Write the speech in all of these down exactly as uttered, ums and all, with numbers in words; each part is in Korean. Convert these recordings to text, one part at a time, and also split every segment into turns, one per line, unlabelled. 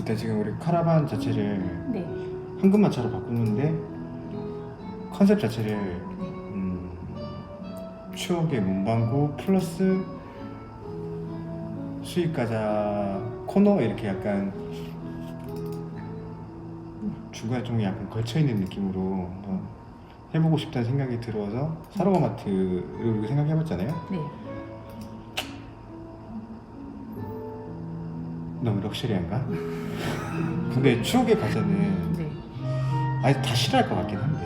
일단 지금 우리 카라반 자체를
네.
황금마차로 바꾸는데 컨셉 자체를 음, 추억의 문방구 플러스 수익가자 코너 이렇게 약간 중간에 좀 약간 걸쳐있는 느낌으로 한번 해보고 싶다는 생각이 들어서 사로마마트를 우리가 생각해봤잖아요.
네.
너무 럭셔리한가? 근데 추억의 과자는
네.
아니 다 싫어할 것 같긴 한데.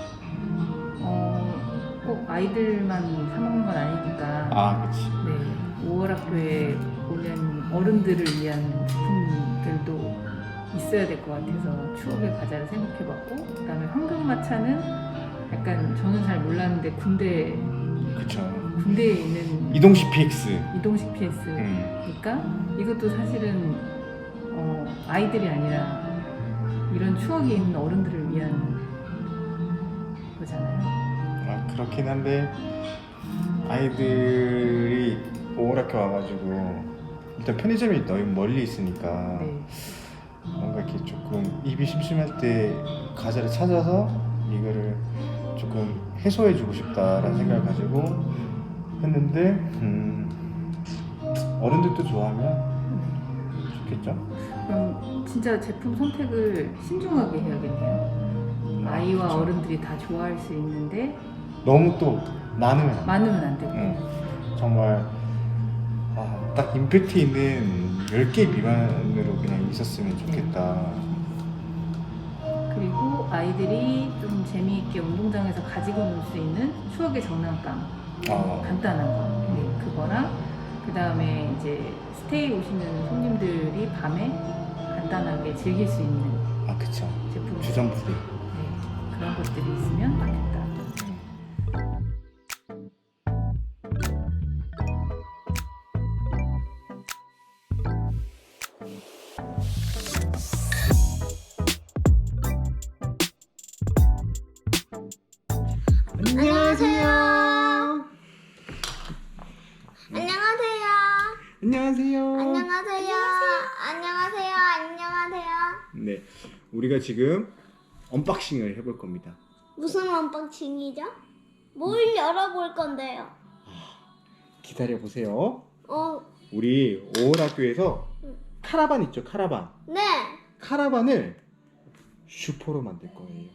어, 꼭 아이들만 사 먹는 건 아니니까.
아, 그렇지.
네. 오월 학교에 오는 어른들을 위한 제품들도 있어야 될 것 같아서 추억의 과자를 생각해봤고, 그다음에 황금마차는 약간 저는 잘 몰랐는데 군대
그쵸.
군대에 있는
이동식 피엑스.
이동식 피에스.
음.
그러니까 이것도 사실은 어, 아이들이 아니라 이런 추억이 있는 어른들을 위한 거잖아요.
아, 그렇긴 한데 아이들이 오락교 와가지고 일단 편의점이 너무 멀리 있으니까
네.
뭔가 이렇게 조금 입이 심심할 때 과자를 찾아서 이거를 조금 해소해주고 싶다라는 생각을 가지고 했는데 음, 어른들도 좋아하면 좋겠죠?
그럼 진짜 제품 선택을 신중하게 해야겠네요. 아이와
그쵸.
어른들이 다 좋아할 수 있는데
너무 또 많으면 안 돼.
많으면 안 되고.
응. 정말 아, 딱 임팩트 있는 열 개 미만으로 그냥 있었으면 좋겠다.
그리고 아이들이 좀 재미있게 운동장에서 가지고 놀 수 있는 추억의 장난감.
아,
간단한 거. 네, 그거랑 그 다음에 이제 스테이 오시는 손님들이 밤에 간단하게 즐길 수 있는
아 그쵸.
제품.
주전부리.
네, 그런 것들이 있으면 좋겠다.
안녕하세요.
안녕하세요.
안녕하세요.
안녕하세요. 안녕하세요. 안녕하세요.
네, 우리가 지금 언박싱을 해볼 겁니다.
무슨 언박싱이죠? 뭘 열어볼 건데요?
기다려 보세요.
어,
우리 오월학교에서
응.
카라반 있죠, 카라반.
네.
카라반을 슈퍼로 만들 거예요.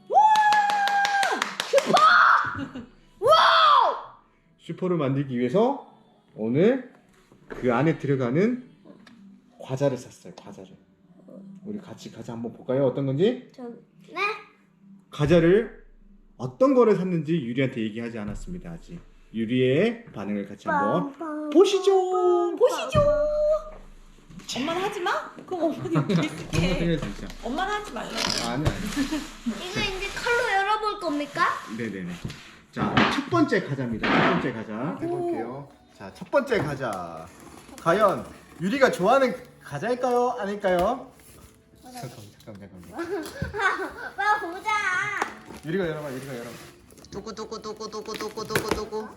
슈퍼를 만들기 위해서 오늘 그 안에 들어가는 과자를 샀어요. 과자를. 우리 같이 과자 한번 볼까요? 어떤 건지?
저, 네.
과자를 어떤 거를 샀는지 유리한테 얘기하지 않았습니다. 아직. 유리의 반응을 같이 한번
빵빵.
보시죠. 보시죠.
엄마는 하지 마? 그럼 엄마는 여기 있을게.
진짜.
엄마는 하지 말라고.
아니 아니.
이거 이제 칼로 열어볼 겁니까?
네네네. 자, 첫 번째 과자입니다. 첫 번째 과자 해볼게요. 자, 첫 번째 과자. 과연 유리가 좋아하는 과자일까요? 아닐까요? 잠깐, 잠깐, 잠깐.
봐 보자.
유리가 열어봐, 유리가 열어봐.
두구 두구 두구 두구 두구 두구 두구.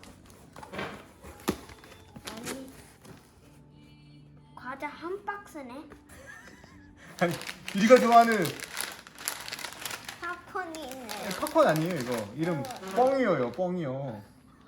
아니, 과자 한 박스네.
아니, 유리가 좋아하는
팝콘이 있네.
팝콘 아니에요, 이거. 이름 뻥이요, 뻥이요.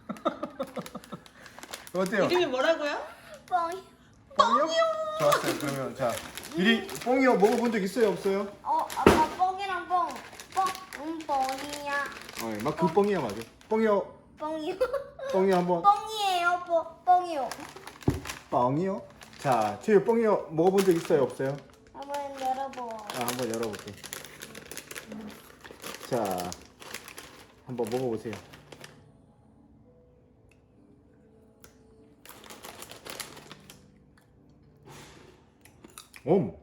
어때요?
이름이 뭐라고요?
뻥이.
뻥이요? 좋았어요. 그러면 자, 유리 뻥이요 먹어본 적 있어요, 없어요?
어, 아까 뻥이랑 뻥. 뻥, 음, 뻥이야.
어, 막 그 뻥이야 맞아. 뻥이요,
뻥이요.
뻥이요 한번.
뻥이에요, 뻥, 뻥이요.
뻥이요? 자, 최유 뻥이요 먹어본 적 있어요, 없어요?
한번 열어보.
아, 한번 열어볼게. 자, 한번 먹어보세요. 옴.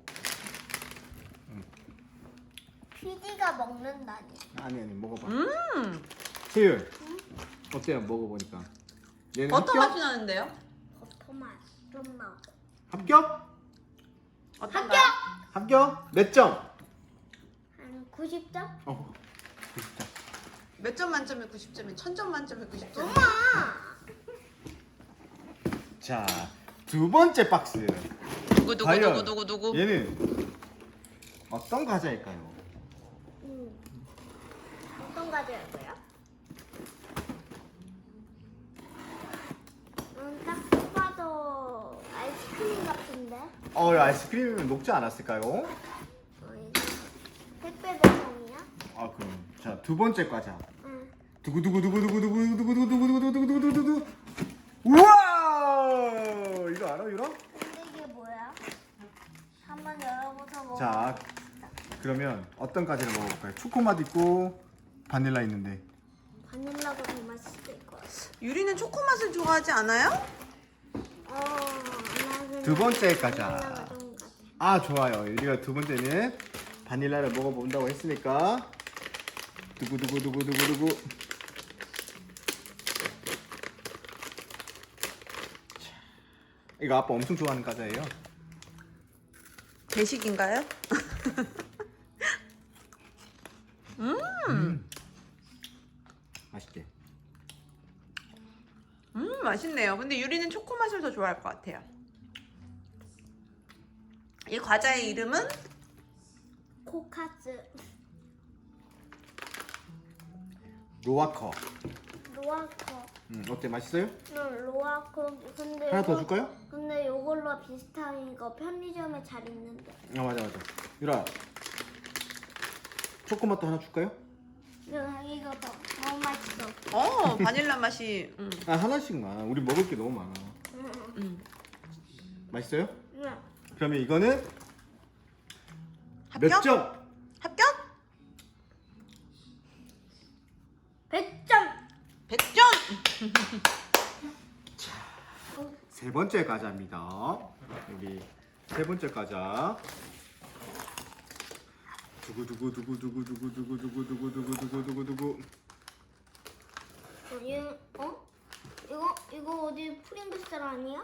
피디가 먹는다니.
아니 아니 먹어봐.
음.
최유, 어때요? 먹어보니까. 얘는
어떤
합격?
맛이 나는데요?
버터맛 좀 나고.
합격?
어떤가요?
합격? 몇 점?
한 구십 점?
어. 진짜.
몇 점 만점에 구십 점이 천 점 만점에 구십 점.
엄마!
자, 두 번째 박스.
두구 두구
과연
두구 두구 두구.
얘는 어떤 과자일까요?
음. 어떤 과자였어요? 음, 딱 봐도 아이스크림 같은데?
어, 아이스크림은 녹지 않았을까요?
어, 이거 택배 배송이야?
아, 그럼 자, 두 번째 과자.
응.
두구두구두구두구두구두구두구두구두구두구두구두구. 우와! 이거 알아, 유라?
근데 이게 뭐야? 한번 열어보자 뭐.
자, 그러면 어떤 과자를 먹어볼까요? 초코맛 있고 바닐라 있는데.
바닐라가 더 맛있을 것 같아.
유리는 초코 맛을 좋아하지 않아요?
어, 나는
두 번째 과자.
바닐라가 좋은 것 같아.
아, 좋아요. 유리가 두 번째는 바닐라를 먹어본다고 했으니까 두구두구두구두구두구. 자, 이거 아빠 엄청 좋아하는 과자예요.
배식인가요? 음,
맛있게.
음 맛있네요. 근데 유리는 초코 맛을 더 좋아할 것 같아요. 이 과자의 이름은
코카스.
로아커.
로아커.
음, 어때? 맛있어요?
응, 로아커. 근데
하나 더
이거-
줄까요?
근데 이걸로 비슷한 거 편의점에 잘 있는데.
아, 맞아 맞아. 유라, 초코맛도 하나 줄까요?
응, 이거 더 너무 맛있어.
어 바닐라 맛이 음.
아, 하나씩만. 우리 먹을 게 너무 많아.
응,
음.
맛있어요?
응.
그러면 이거는
합격?
몇 점?
합격?
백 점.
백 점!
세 번째 과자입니다. 여기 세 번째 과자. 두구두구두구두구두구두구두구두구두구두구두구두구.
어, 얘, 어? 이거 이거 어디 프링글스 아니야?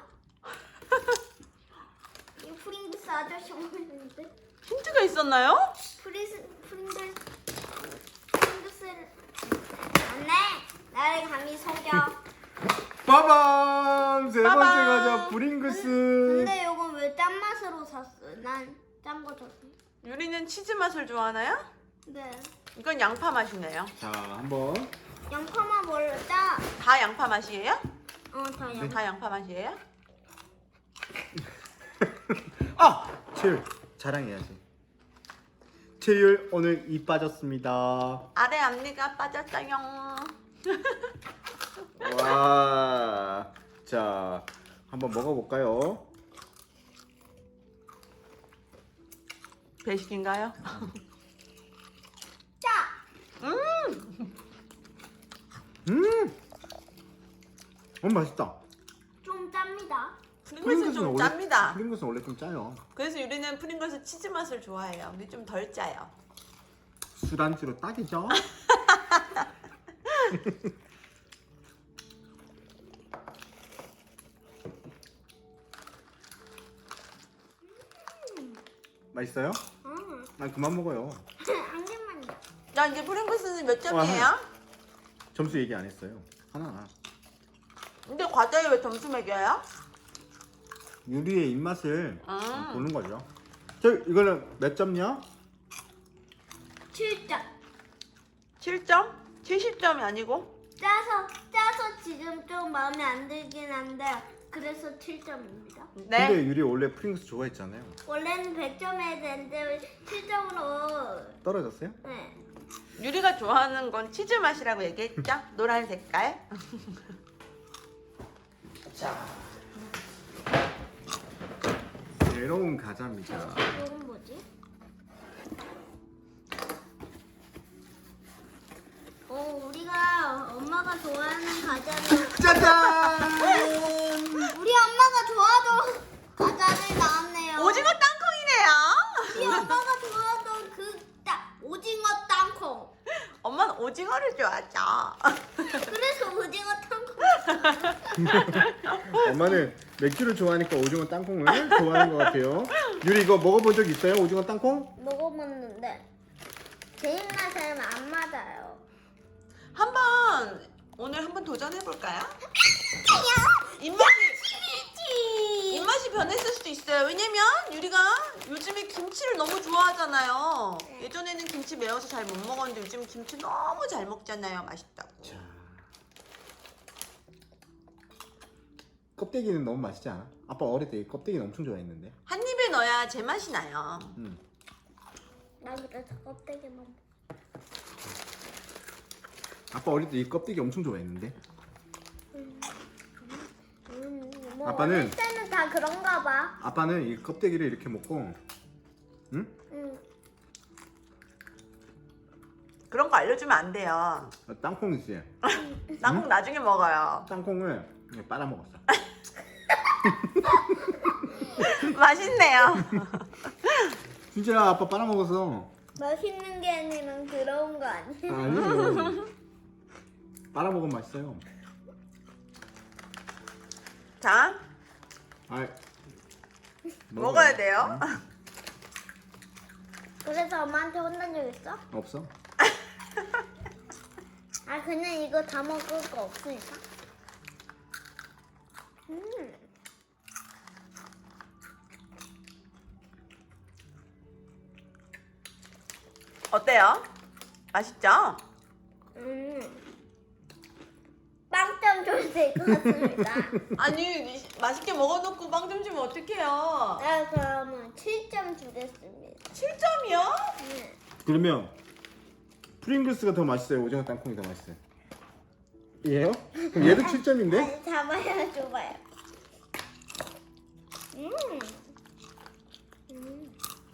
이 프링글스 아저씨 보이는데?
힌트가 있었나요?
프리스 프링글 프링글스를 안돼. 나를 감히 속여.
빠밤! 세 번째
빠밤!
과자 브링글스.
근데 이건 왜 짠 맛으로 샀어? 난 짠 거 줬어.
유리는 치즈 맛을 좋아하나요?
네.
이건 양파 맛이네요.
자, 한번.
양파만 원래 짜.
다 양파 맛이에요?
어, 다 양.
다 양파 맛이에요?
아! 채율 자랑해야지. 채율 오늘 이 빠졌습니다.
아래 앞니가 빠졌어요.
와. 자, 한번 먹어볼까요?
배식인가요?
짜.
음!
음! 음, 맛있다.
좀 짭니다.
프링글스는 좀 짭니다.
프링글스는 원래 좀 짜요.
그래서 유리는 프링글스 치즈 맛을 좋아해요. 근데 좀 덜 짜요.
술안주로 딱이죠? 맛있어요?
응.
난 그만 먹어요.
한 개만이야.
자, 이제 프링글스는 몇 점이에요?
점수 얘기 안 했어요. 하나.
근데 과자에 왜 점수 매겨요?
유리의 입맛을
음.
보는 거죠. 저 이거는 몇 점이야?
칠 점.
칠 점? 칠십 점이 아니고?
짜서 짜서 지금 좀 마음에 안 들긴 한데 그래서 칠 점입니다.
네.
근데 유리 원래 프링글스 좋아했잖아요.
원래는 백 점 해야 되는데 칠 점으로
떨어졌어요?
네.
유리가 좋아하는 건 치즈 맛이라고 얘기했죠? 노란 색깔. 자,
새로운 과자입니다.
이건 뭐지? 어 우리가 엄마가 좋아하는 과자를
짜잔!
우리 엄마가 좋아하던 과자를 나왔네요.
오징어 땅콩이네요.
우리 엄마가 좋아하던 그 딱 오징어 땅콩.
엄마는 오징어를 좋아하죠.
그래서 오징어 땅콩.
엄마는 맥주를 좋아하니까 오징어 땅콩을 좋아하는 것 같아요. 유리 이거 먹어본 적 있어요? 오징어 땅콩?
먹어봤는데 제 입맛에는 안 맞아요.
한번 오늘 한번 도전해 볼까요? 입맛이
재밌지.
입맛이 변했을 수도 있어요. 같아요. 왜냐면 유리가 요즘에 김치를 너무 좋아하잖아요. 예전에는 김치 매워서 잘 못 먹었는데 요즘 김치 너무 잘 먹잖아요. 맛있다고.
자. 껍데기는 너무 맛있지 않아? 아빠 어릴 때 이 껍데기는 엄청 좋아했는데.
한 입에 넣어야 제맛이 나요.
음.
나 그래서 껍데기만 먹-
아빠 어릴 때 이 껍데기 엄청 좋아했는데.
음, 뭐
아빠는-
어릴 때는 다 그런가 봐.
아빠는 이 껍데기를 이렇게 먹고, 응?
응.
그런 거 알려주면 안 돼요.
땅콩 있지?
땅콩 나중에 먹어요.
땅콩을 이렇게 빨아 먹었어.
맛있네요.
진짜 아빠 빨아 먹었어.
맛있는 게 아니라 그런 거 아니야?
아니요. 빨아 먹으면 맛있어요.
자,
아,
먹어야 돼요.
그래서 엄마한테 혼난 적 있어?
없어?
아 그냥 이거 다 먹을 거 없으니까. 음.
어때요? 맛있죠?
음. 빵점 좀 될 것 같습니다.
아니 맛있게 먹어놓고 빵 좀 주면 어떡해요?
네, 그러면 칠 점 주겠습니다.
칠 점이요?
네.
그러면 프링글스가 더 맛있어요? 오징어 땅콩이 더 맛있어요? 얘요? 그럼 얘도 칠 점인데?
아니, 잡아요, 줘봐요. 음. 음.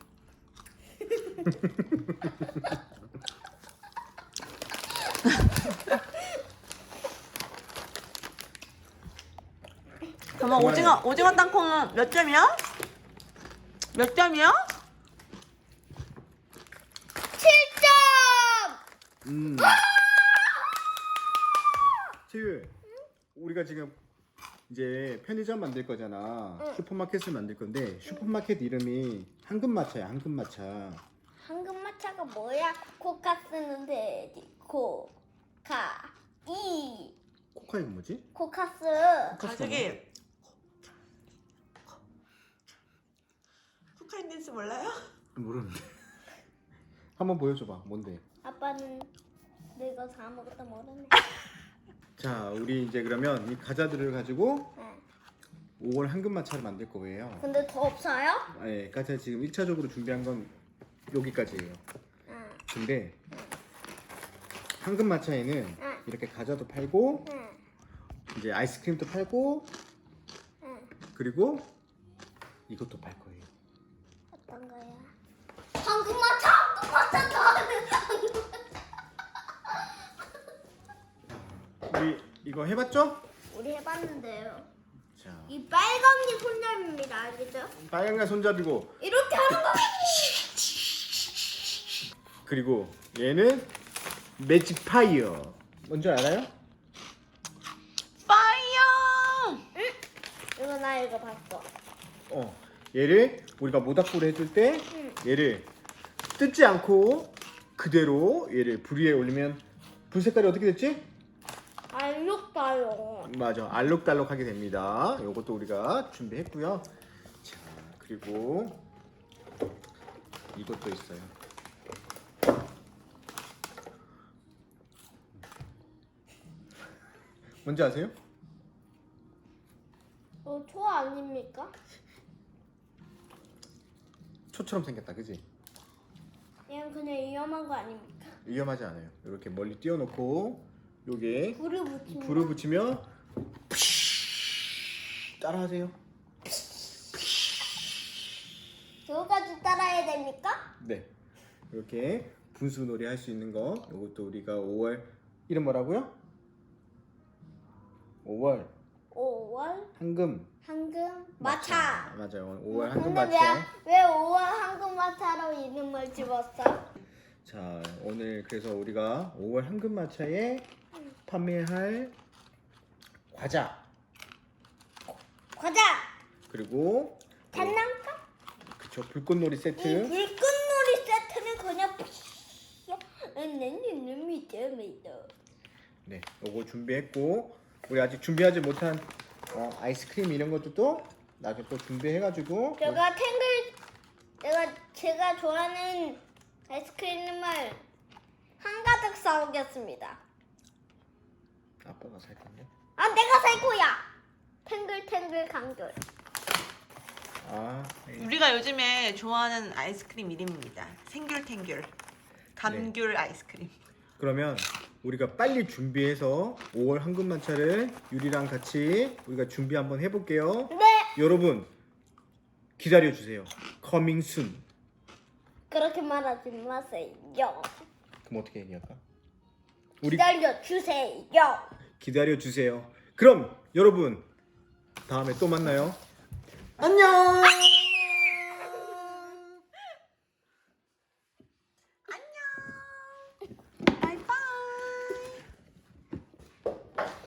그러면 오징어 오징어 땅콩은 몇 점이요? 몇 점이요?
칠 점!
음. 채유, 우리가 지금 이제 편의점 만들 거잖아.
응.
슈퍼마켓을 만들 건데 슈퍼마켓 이름이 황금마차야. 황금마차.
황금마차가 뭐야? 코카 쓰는데 코카 이
코카이가 뭐지?
코카스.
가족이 코카인 댄스 몰라요?
모르는데. 한번 보여줘봐. 뭔데?
아빠는 내가 다 먹었다 모르네.
자, 우리 이제 그러면 이 과자들을 가지고
네.
오월 황금마차를 만들 거예요.
근데 더 없어요?
아, 예, 과자 지금 일 차적으로 준비한 건 여기까지예요.
응.
근데 황금마차에는
응.
이렇게 과자도 팔고
응.
이제 아이스크림도 팔고
응.
그리고 이것도 팔 거예요.
어떤 거야? 황금마차, 황금마차 나는
우리 이거 해봤죠?
우리 해봤는데요.
자,
이 빨간 게 손잡입니다, 알겠죠?
빨간가 손잡이고
이렇게 하는 거.
그리고 얘는 매직 파이어. 뭔지 알아요?
파이어!
이거 나 이거 봤어.
어, 얘를 우리가 모닥불을 해줄 때
응.
얘를 뜯지 않고 그대로 얘를 불 위에 올리면 불 색깔이 어떻게 됐지?
알록달록.
맞아, 알록달록하게 됩니다. 이것도 우리가 준비했고요. 자, 그리고 이것도 있어요. 뭔지 아세요?
어, 초 아닙니까?
초처럼 생겼다, 그지?
얘는 그냥 위험한 거 아닙니까?
위험하지 않아요. 이렇게 멀리 띄워놓고 요게
불을 붙이면.
불을 붙이면 따라하세요.
그거까지 따라야 됩니까?
네, 이렇게 분수놀이 할 수 있는 거. 이것도 우리가 오월 이름 뭐라고요? 오월
오월
황금
황금 마차.
맞아요. 오월
근데
황금 마차.
왜, 왜 오월 황금 마차로 이름을 집었어?
자, 오늘 그래서 우리가 오월 황금 마차에 판매할 과자
과자,
그리고
장난감.
그쵸, 불꽃놀이
이
세트.
불꽃놀이 세트는 그냥 내는 믿음이다.
네, 요거 준비했고 우리 아직 준비하지 못한 어, 아이스크림 이런 것도 또 나중에 또 준비해가지고
제가 탱글 내가 제가 좋아하는 아이스크림을 한가득 사오겠습니다.
아빠가 살 건데.
아 내가 살 거야. 탱글탱글 감귤.
아, 네.
우리가 요즘에 좋아하는 아이스크림 이름입니다. 생귤탱귤. 감귤 아이스크림.
그러면 우리가 빨리 준비해서 오월 황금만차를 유리랑 같이 우리가 준비 한번 해볼게요.
네.
여러분 기다려 주세요. Coming soon.
그렇게 말하지 마세요.
그럼 어떻게 얘기할까? 우리
기다려 주세요.
기다려 주세요. 그럼 여러분 다음에 또 만나요. 안녕.